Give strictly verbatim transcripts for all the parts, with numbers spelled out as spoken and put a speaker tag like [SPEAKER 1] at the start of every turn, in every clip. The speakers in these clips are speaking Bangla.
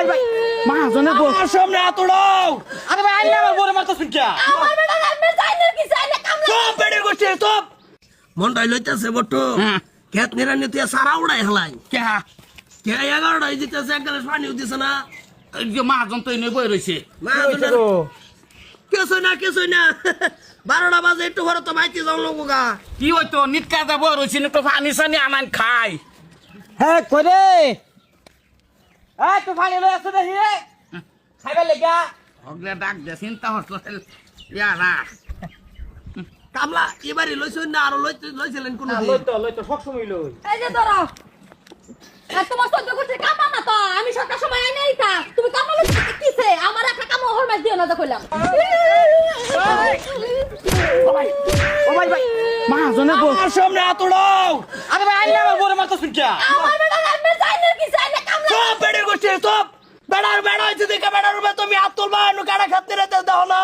[SPEAKER 1] ভাই ভাই মহাজনের বউ
[SPEAKER 2] আমার সামনে আতড়াও।
[SPEAKER 1] আরে ভাই আইলে আমার বউরে মারতাছুন কি
[SPEAKER 3] আমার বেটা রামে যাইনের কি চাইলে কামলা
[SPEAKER 2] সব বেড়ে গোষ্ঠী সব মনটাই লইতেছে বট্টু খেত নিরানি তুই সারা উড়াই হেলাই
[SPEAKER 1] কে
[SPEAKER 2] কে এগারোটাই দিতেছে এক গ্লাস পানিও দিছে না।
[SPEAKER 1] এই যে মহাজন তো এনে বই রইছে
[SPEAKER 2] মহাজনের কিছু না কিছু না বারোটা বাজে একটু ঘরে তো মাইতি যাও লোক গা।
[SPEAKER 1] কি হইতো নিট কাজে বই রইছে না তো পানি সানি আনান খাই
[SPEAKER 4] হ্যাঁ করে এই তো পানি লই আসো দেখি খাইবে লাগা
[SPEAKER 1] হগলে ডাক দে চিন্তা হসল ইয়ারা
[SPEAKER 2] কামলা এবারে লইছেন না আরো লইতে লইছিলেন কোন
[SPEAKER 4] লই তো লই তো সব সময় লই
[SPEAKER 3] এই যে ধরো আর তোমার সহ্য করতে কামা না তো আমি সকাল সময় আই নাই তা তুমি কামা লইতে কিছে আমার একটা কামা হর মাছ দিও না তো কইলাম
[SPEAKER 1] ও ভাই ও ভাই ভাই মহাজনের বউ
[SPEAKER 2] আমার সামনে আতড়াও।
[SPEAKER 1] আরে ভাই আইলে আমার বউরে মারতাছুন কি
[SPEAKER 3] আমার বেটা রামে যাইনের কি চাইলে কামলা
[SPEAKER 2] সব বেড়ে গোষ্ঠী সব বেড়ার বেড়া হয়েছে দেখে বেড়ার উপরে তুমি হাত তুলবা নু কাটা খাতে রেতে দাও না।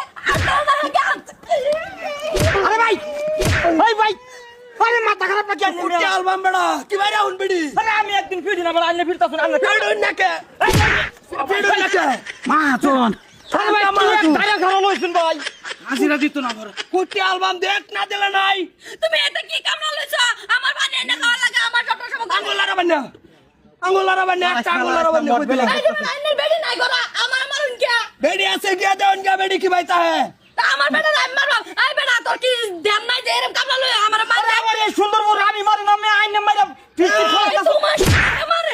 [SPEAKER 1] আরে ভাই ভাই ভাই আরে মাথা খারাপ নাকি আপনি
[SPEAKER 2] কুটি আলবাম বেড়া কি বাইরে আউন বিড়ি
[SPEAKER 1] আরে আমি একদিন ফিরি না বলে আইলে ফিরতাছুন আইলে
[SPEAKER 2] ফেড়ুন নাকে ফেড়ুন নাকে
[SPEAKER 1] মহাজন আরে ভাই
[SPEAKER 2] কামা
[SPEAKER 1] তুই
[SPEAKER 2] তুই।
[SPEAKER 1] এক দাঁড়া খারাপ লইছুন ভাই হাজিরা দিত না বড়
[SPEAKER 2] কুটি আলবাম দেখ না দিলে নাই
[SPEAKER 3] তুমি এটা কি কামলা লইছো আমার পানি এনে খাওয়া লাগে আমার সকাল সময় কামলা
[SPEAKER 2] আঙ্গুল লারা বান্না আঙ্গুল লারা বান্না একটা আঙ্গুল লারা বান্না কই দিলাম
[SPEAKER 3] এই যে রাইনের বেডি নাই গরা আমার মারুন কে
[SPEAKER 2] বেড়ি আছে গিয়া দেন গা বেড়ি কি বাইতা হে
[SPEAKER 3] আমার বেটা রাম মারবা আই বেটা তোর কি ধ্যান নাই যে এরকম কামলা লই আমার মার দে
[SPEAKER 1] আরে এই সুন্দর বড় আমি মারি না আমি আইনে মারি ফিরতি
[SPEAKER 3] এই তোমার আমারে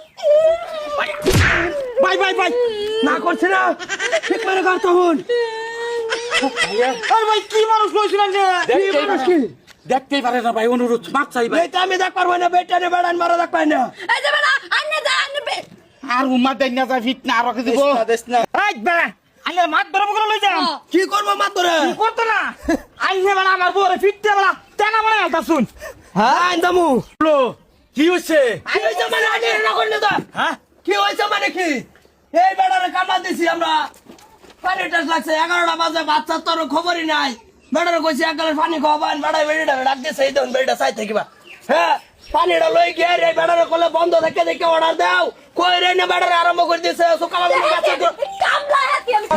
[SPEAKER 1] ভাই ভাই ভাই
[SPEAKER 2] না করছ না ঠিক করে কর তখন
[SPEAKER 1] আরে ভাই কি মানুষ লইছিলেন যে
[SPEAKER 2] কি মানুষ কি
[SPEAKER 1] দেখতেই পারে না ভাই অনুরোধ মাপ চাই ভাই
[SPEAKER 2] বেটা আমি দেখ পারবো না বেটা নে বেড়ান মারা দেখ পাই না
[SPEAKER 3] এই যে বেটা আন্নে যা আন্নে বে
[SPEAKER 1] আর উম্মা দেন না যা ফিট না আর কি দিব
[SPEAKER 2] দেশ না
[SPEAKER 1] এই বেড়া আইলে মাত বরম করে লই যাম
[SPEAKER 2] কি করব মা তোরে
[SPEAKER 1] কি করতে না আইলে বেড়া আমার বউরে ফিটতে বেড়া তেনা মনে আলতা শুন
[SPEAKER 2] হ্যাঁ আইন্দামু
[SPEAKER 1] লো কি হইছে
[SPEAKER 2] কি হইছে মানে আগে না করলে তো
[SPEAKER 1] হ্যাঁ
[SPEAKER 2] কি হইছে মানে কি এই বেড়ারে কামলা দিছি আমরা পানি টাস লাগছে এগারোটা বাজে বাচ্চা তোর খবরই নাই বেড়ারে কইছি এক গ্লাস পানি খাওয়াবান বেড়াই বেড়িটা ডাক দিছে এই দেন বেড়িটা চাই থাকিবা হ্যাঁ পানিটা লই গিয়ে রে বেড়ারে কলে বন্ধ থেকে দেখে অর্ডার দাও কই রে না বেড়ারে আরম্ভ করে দিছে সকাল বেলা গাছে
[SPEAKER 3] কামলা হাতি আমি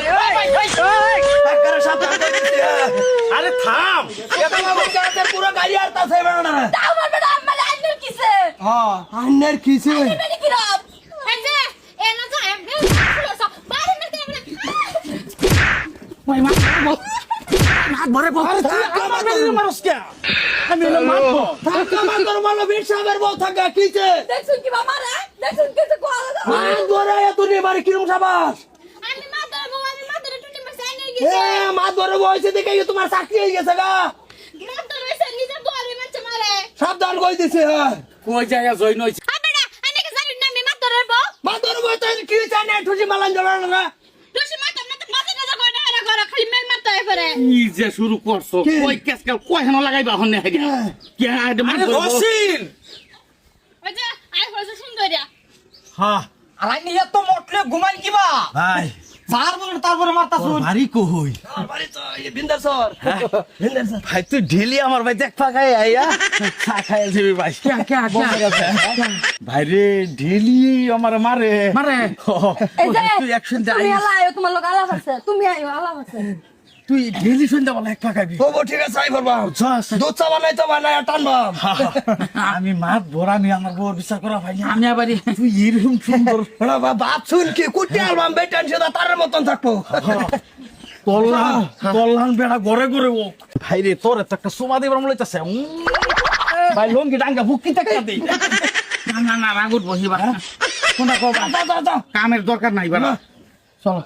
[SPEAKER 2] টাকার সাথে দিছে
[SPEAKER 1] আরে থাম
[SPEAKER 2] এটা বাচ্চাদের পুরো গাড়ি আরতাছে বেড়াটা
[SPEAKER 3] আমার বেটা আমার আন্নের কিছে
[SPEAKER 2] হ্যাঁ আন্নের কিছে
[SPEAKER 3] বেটি কি রব এই যে এনা যা এমনি বাড়ি না কে
[SPEAKER 1] ভাই মাত বল মাত ভরে বল
[SPEAKER 2] আরে তুই আমার
[SPEAKER 1] মেরে মারস কে আমি না মারবো
[SPEAKER 2] টাকা মাতর মালো বীর সাহেবের বউ থাকা কিছে
[SPEAKER 3] দেখছুন কি মারে দেখছুন কিছে কোয়া
[SPEAKER 2] মান ধরে তুই মারি কিরম সাবাস
[SPEAKER 3] আমি মাদার বউ আমি মাদার টুটি মারছে আইনের
[SPEAKER 2] এ
[SPEAKER 3] কিছে
[SPEAKER 2] মা ধরে বইছে দেখে তোমার চাকরি হয়ে গেছে গা
[SPEAKER 3] মাদার হইছে নিজে বউরে মারছে মারে
[SPEAKER 2] সাবধান কই দিছে হ্যাঁ
[SPEAKER 1] কই জায়গা জয় নইছে
[SPEAKER 3] আ বেটা আইনে কে জানি না আমি মাদার বউ
[SPEAKER 2] মা ধরে বইতে কি চাই না ঠুসি মালান জড়ানো না
[SPEAKER 3] টুসি মারতাম না তো মাঝে না কই না এরা করে খালি মেল মারতে হয় পারে
[SPEAKER 1] কি যে শুরু করছো
[SPEAKER 2] কি?
[SPEAKER 1] কই কেসকাল কই হেন লাগাইবা হনে হেগা কি আরে মার
[SPEAKER 2] রসিন
[SPEAKER 3] ওই যে আই হইছে সুন্দরিয়া
[SPEAKER 2] হ্যাঁ
[SPEAKER 4] আর আইনি এত মোটলে ঘুমাই কিবা
[SPEAKER 2] ভাই
[SPEAKER 4] তারপরে তারপরে মারতাছুন
[SPEAKER 5] ভারী কই
[SPEAKER 2] বাড়ি তো এই বিন্দার সর বিন্দার সর
[SPEAKER 5] ভাই তুই ঢেলি আমার ভাই দেখ পাকাই আইয়া চা খাই যাবি ভাই
[SPEAKER 1] কে কে
[SPEAKER 5] ভাই রে ঢেলি আমার মারে
[SPEAKER 1] মারে
[SPEAKER 3] এই যে
[SPEAKER 5] তুই একশন
[SPEAKER 3] তুমি আলা আয়ো তোমার লোক আলাপ আছে তুমি আয়ো আলাপ আছে
[SPEAKER 5] তুই ঢেলি সন্ধ্যা বলা এক পাকাবি
[SPEAKER 2] তবু ঠিক আছে আই করবা দুধ চা বানাই তো বানাই টানবাম
[SPEAKER 5] আমি মাত ভরানি আমার বউর বিচার করা ভাই না
[SPEAKER 1] আমি আবারই
[SPEAKER 5] তুই এরকম সুন্দর
[SPEAKER 2] বাপ শুন কি কুটি আলবাম বেটান সেটা তারের মতন থাকবো
[SPEAKER 5] কল্যাণ কল্যাণ বেড়া ঘরে ঘরে ও ভাই রে তোর এত একটা সোমা দেবার মনে হইতাছে ভাই লঙ্গি ডাঙ্গা বুকি টাকা দেই
[SPEAKER 1] না না না রাগুট বহিবা
[SPEAKER 5] কোনটা কও
[SPEAKER 2] যা যা যা
[SPEAKER 1] কামের দরকার নাই বাবা
[SPEAKER 5] চলো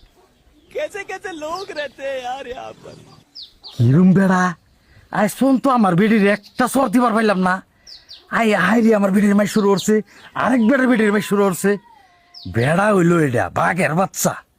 [SPEAKER 5] কিরম বেড়া আই শোন তো আমার বেডির একটা সর দিবার পাইলাম না আই হাইরি আমার বেডির মাই শুরু করছে আরেক বেড়ার বেডির মাই শুরু করছে বেড়া হইলো এটা বাঘের বাচ্চা